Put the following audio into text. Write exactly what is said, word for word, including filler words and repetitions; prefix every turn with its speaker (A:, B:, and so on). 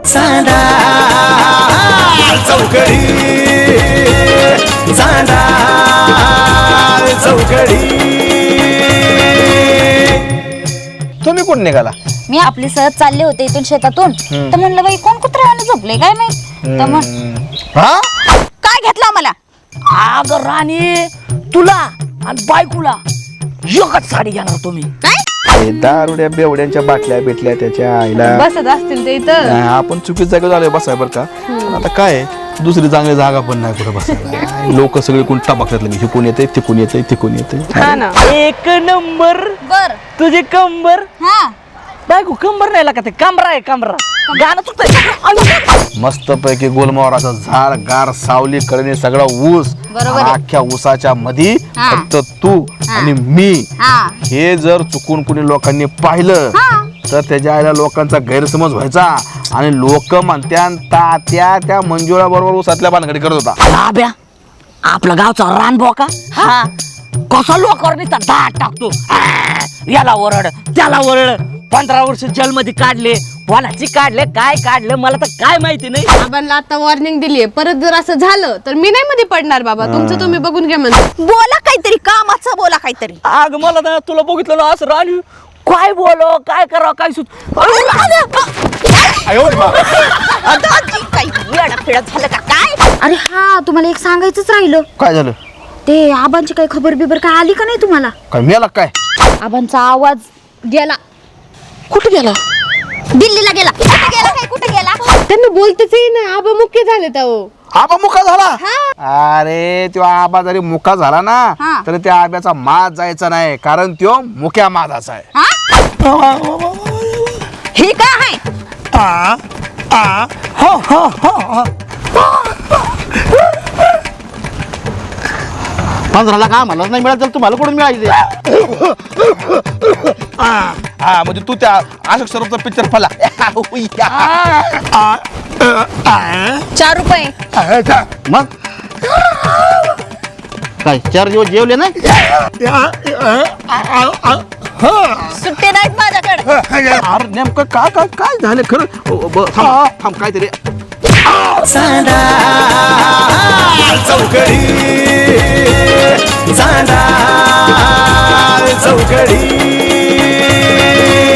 A: चांदा चौकडी चांदा चौकडी. तुम्ही कोण निघाला?
B: मी आपली सहज चालले होते इथून शेतातून, तर म्हणलं बाई कोण कुत्र्याने झोपले काय नाही. तर मग
A: हा
B: काय घेतलं मला?
C: अग राणी, तुला आणि बायकोला एकच साडी घेणार तुम्ही.
B: काय
A: दारुड्या बेवड्यांच्या बाटल्या भेटल्या त्याच्या आईला.
D: बसत असतील ते इथं.
A: आपण चुकीच जागा झालोय बसाय बर का. आता काय दुसरी चांगली जागा पण नाही कुठं बसायला. लोक सगळे कोण टाबाखल्यातले मी हिकून येते तिकून येते तिकून येते.
D: हा ना.
C: एक नंबर
B: बर.
C: तुझे कंबर.
B: हा
C: बायको कंबर नाही का, ते कमरा आहे कमरा. गाणं चुकतंय.
A: मस्त पैकी गोलमोहराचं झाड गार सावली कडे सगळा ऊस.
B: बरोबर आहे.
A: अख्ख्या ऊसाच्या मध्ये
B: हा.
A: फक्त तू आणि मी.
B: हा
A: हे जर चुकून कुणी लोकांनी पाहिलं
B: हा.
A: तर त्याच्या आईला लोकांचा गैरसमज व्हायचा आणि लोक म्हणत्यान तात्या त्या मंजुळा बरोबर ऊसातल्या भानगडी करत होता.
C: लाभ्या आपला गावचा रानबोका हा कसा लोकांवर नुसता दाट टाकतो. आ, याला ओरड त्याला ओरड. पंधरा वर्ष जेलमध्ये काढले, कोणाची काढले काय काढलं मला तर काय माहिती नाही.
D: बाबांना आता वॉर्निंग दिलीये, परत जर असं झालं तर मी नाही मध्ये पडणार बाबा. तुमचं तुम्ही बघून घ्या म्हणजे.
B: बोला काहीतरी, कामाचं बोला काहीतरी.
C: आग मला ना तुला बघितलं ना असं राणी काय बोलो काय करावं काय सुच.
B: काही वेळा फिरत झालं का काय? अरे हा, तुम्हाला एक सांगायचंच राहिलं.
A: काय झालं?
B: ते आबांची काही खबर बिबर काय आली का नाही तुम्हाला?
A: काय मेला काय?
B: आबांचा आवाज गेला.
C: कुठे गेला?
B: दिल्लीला गेला. कुठे गेला काय कुठे गेला?
D: त्यांना बोलतेच ना, आबा मुख्य झाले तो.
A: आबा मुका झाला. अरे तो आबा जरी मुका झाला ना
B: हा.
A: तरी त्या आब्याचा माज जायचा नाही, कारण तो मुक्या माजाचा आहे.
B: हा? हे काय आहे?
E: पंधरा लाख आम्हाला नाही मिळालं तर तुम्हाला कुठून मिळायचे?
A: हा म्हणजे तू त्या अशोक सरोवरचा पिक्चर फला.
B: चार रुपये.
E: मग काय चार दिवस जेवले नाही?
B: सुट्टे नाहीत माझ्याकडे.
A: अरे नेमकं काय काय काय झालं खरं? ओ, ब- थांब थांब काहीतरी. चांदा चौकडी चांदा चौकडी.